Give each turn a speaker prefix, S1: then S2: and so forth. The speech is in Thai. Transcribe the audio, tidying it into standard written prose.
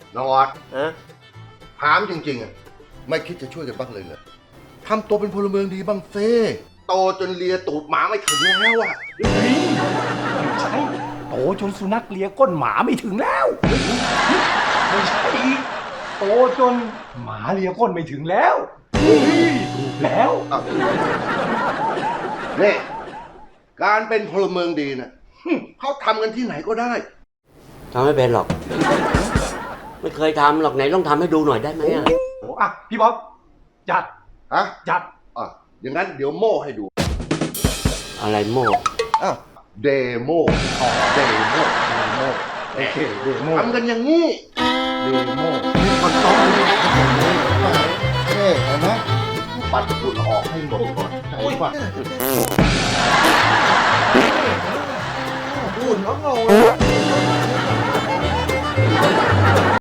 S1: น้องออด
S2: ฮะ
S1: ถามจริงๆอ่ะไม่คิดจะช่วยกันบ้างเลยเหรอทำตัวเป็นพลเมืองดีบ้างเซ่โตจนเลียตูดหมาไม่ถึงแล้วอ่ะ
S3: ไม่ใช่โตจนสุนัขเลียก้นหมาไม่ถึงแล้วไม่ใช่อีกโตจนหมาเลียก้นไม่ถึงแล้วถูกแล้ว
S1: นี่การเป็นพลเมืองดีนะเขาทำกันที่ไหนก็ได้
S2: ทำไม่เป็นหรอก ไม่เคยทำหรอกไหนลองทำให้ดูหน่อยได้ไหมอ่ะ
S3: โอ้อะพี่บ๊อบจัด
S1: ฮะ
S3: จัด
S1: อ่ะอย่างนั้นเดี๋ยวโม่ให้ดู
S2: อะไรโม่
S1: อ้าวเดโมเดโม
S3: โอเคเดโม
S1: ทำกันอย่างนี้
S3: เดโม
S1: มีคนต้องนี่เห็นไหมปัดฝุ่นออกให้หมดก่อนใช่ป่ะฝุ่นแล้วเรา